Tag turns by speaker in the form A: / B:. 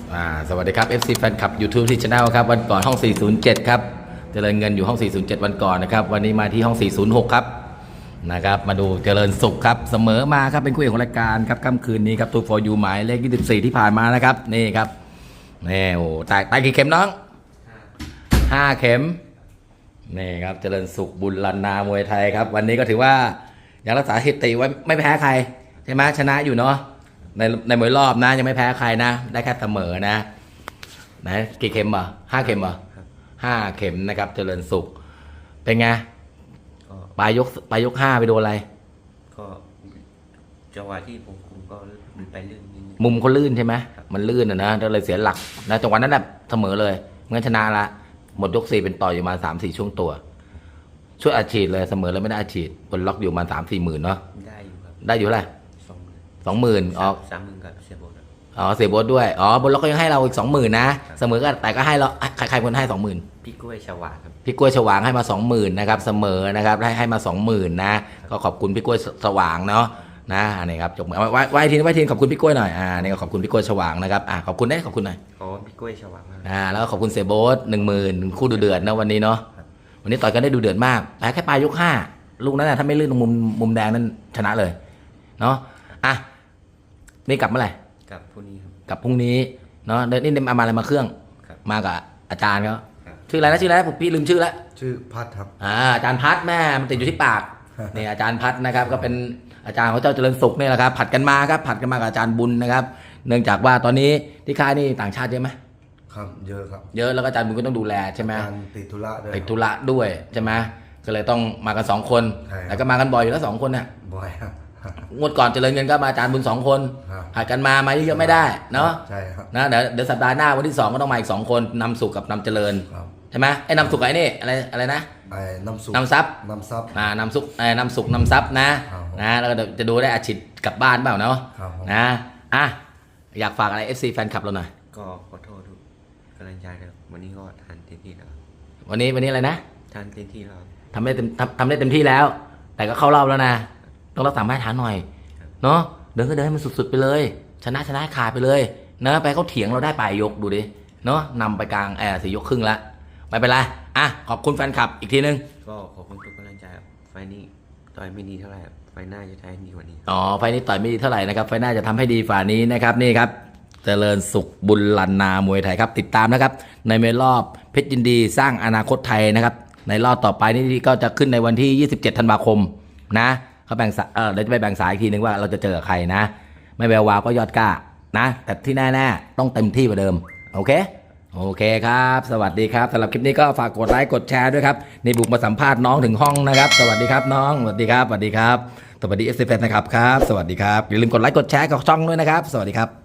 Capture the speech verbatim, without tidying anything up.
A: อ่าสวัสดีครับ เอฟ ซี แฟนคลับ YouTube ที่ Channel ครับวันก่อนห้องสี่ศูนย์เจ็ดครับเจริญเงินอยู่ห้องสี่ศูนย์เจ็ดวันก่อนนะครับวันนี้มาที่ห้องสี่ศูนย์หกครับนะครับมาดูเจริญสุขครับเสมอมาครับเป็นคู่เอกของรายการครับค่ำคืนนี้ครับ ทู ฟอร์ ยู หมายเลขยี่สิบสี่ที่ผ่านมานะครับนี่ครับนี่โอ้ตายตายกี่เข็มน้องห้าเข็มนี่ครับเจริญสุขบุญลันนามวยไทยครับวันนี้ก็ถือว่ายังรักษาสถิติไว้ไม่แพ้ใครใช่ไหมชนะอยู่เนาะในในมวยรอบนะยังไม่แพ้ใครนะได้แค่เสมอนะนะกี่เข็มอ่ะห้าเข็มอ่ะห้าเข็มนะครับเจริญสุขเป็นไงปลายยกปลายยกห้าไปโดนอะไร
B: ก็จังหวะที่ผมคุมก็มันไปลื่นนิดนึง
A: มุมเขาลื่นใช่ไหมมันลื่นอ่ะนะก็เลยเสียหลักนะจังหวะนั้นแบบเสมอเลยงั้นชนะละหมดยกสี่เป็นต่ออยู่มาสามสี่ช่วงตัวช่วยอัดฉีดเลยเสมอแล้วไม่ได้อัดฉีดบนล็อกอยู่มาสามสี่หมื่นเนาะ
B: ได้อยู่ครับ
A: ได้อยู่เท่าไหร่สองหมื่นออก
B: สามหมื่นกับเสียโบส
A: อ๋อเสียโบสด้วยอ๋อบนล็อกก็ยังให้เราอีกสองหมื่นนะเสมอก็แต่ก็ให้เราใครใครคนให้สองหมื่น
B: พี่กล้วยฉวางครับ
A: พี่กล้วยฉวางให้มาสองหมื่นนะครับเสมอนะครับให้ให้มาสองหมื่นนะก็ขอบคุณพี่กล้วยฉวางเนาะนะอันนี้ครับจบมือไว้ไว้ทีนไว้ทีนขอบคุณพี่กล้วยหน่อยอ่านี่ก็ขอบคุณพี่กล้วยฉวางนะครับอ่าขอบคุณได้ขอบคุณหน่อย
B: อ๋อพี่กล้วยฉวาง
A: อ่าแล้วก็ขอบคุณเสียโบสหนึ่งหมื่นคู่ดูเดือดนะวันนี้เนาะวันนี้ต่อยกันได้ดูเดือดมากแพ้แค่ปลายยกห้าลูกนั้นนะถ้าไม่ลื่นตรงมุมมุมแดงนั้นชนะเลยเนาะอ่ะนี่กลับเมื่อไหร่
B: กลับพรุ่งนี้ครับ
A: กลับพรุ่งนี้เนาะนี่นี่มาอะไรมาเครื่องมากับอาจารย์เขาชื่ออะไรนะชื่ออะไรนะผมพี่ลืมชื่อแล้ว
C: ชื่อพัดครับ
A: อ่าอาจารย์พัดแม่มันติดอยู่ที่ปากนี่อาจารย์พัดนะครับก็เป็นอาจารย์ของเจ้าเจริญสุขนี่แหละครับผัดกันมาครับผัดกันมากับอาจารย์บุญนะครับเนื่องจากว่าตอนนี้ที่ค่ายนี่ต่างชาติเยอะไหม
C: ครับเยอะครับ
A: เยอะแล้วก็อาจารย์บุญก็ต้องดูแลใช่ไหม
C: ติดธุระด้วย
A: ติดธุระด้วยใช่ไหมก็เลยต้องมากันสองคนแต่ก็มากันบ่อยอยู่แล้วสองคนเนี่ย
C: บ่อยครับ
A: งวดก่อนเจริญเงินก็มาอาจารย์บุญสองคนผัดกันมามาเยอะๆไม่ได้เนาะ
C: ใช่ครับ
A: นะเดี๋ยวเดี๋ยวสัปดาห์หน้าวันที่สองก็ต้องมาอีกสองคนนำสุขกับนำเจริญใช่ไหมไอ้นำสุขไอ้นี่อะไรอะไรนะ
C: ไอ้นำสุข
A: นำซับ
C: นำซับ
A: อ่านำสุขไอ้นำสุขนำซับนะนะแล้วก็จะดูได้อาชีพกลับบ้านเปล่าเนาะนะอ่ะอยากฝากอะไร เอฟ ซี แฟนคลับเราหน่อย
B: ก็ขอโทษทุกกำลังใจครับวันนี้ก็ทานเต็มที่แล้ว
A: วันนี้วันนี้อะไรนะ
B: ทานเต็มที่แล้ว
A: ทำได้เต็มทำทำได้เต็มที่แล้ว แต่ก็เข้ารอบแล้วนะต้องรักษามาตรฐานหน่อยเนาะเดินก็เดินให้มันสุดๆไปเลยชนะชนะขาดไปเลยนะไปเขาเถียงเราได้ปลายยกดูดิเนาะนำไปกลางแอร์สี่ยกครึ่งละไม่เป็นไรอ่ะขอบคุณแฟนคลับอีกทีนึง
B: ก็ขอบคุณทุกกำลังใจครับไฟนี้ต่อยไม่ดีเท่าไหร่ไฟหน้าจะทำดีกว่านี้
A: อ๋อไฟนี้ต่อยไม่ดีเท่าไหร่นะครับไฟหน้าจะทำให้ดีฝ่านี้นะครับนี่ครับเจริญสุขบุญลันนามวยไทยครับติดตามนะครับในเมรอบเพชรยินดีสร้างอนาคตไทยนะครับในรอบต่อไปนี่ก็จะขึ้นในวันที่ยี่สิบเจ็ดธันวาคมนะเขาแบ่งเออเดี๋ยวจะไปแบ่งสายอีกทีนึงว่าเราจะเจอใครนะไม่แวววาวก็ยอดกล้านะแต่ที่แน่ๆต้องเต็มที่กว่าเดิมโอเคโอเคครับสวัสดีครับสำหรับคลิปนี้ก็ฝากกดไลค์กดแชร์ด้วยครับนี่บุกมาสัมภาษณ์น้องถึงห้องนะครับสวัสดีครับน้องสวัสดีครับสวัสดีครับสวัสดีเอฟซีแฟนนะครับครับสวัสดีครับอย่าลืมกดไลค์กดแชร์กับช่องด้วยนะครับสวัสดีครับ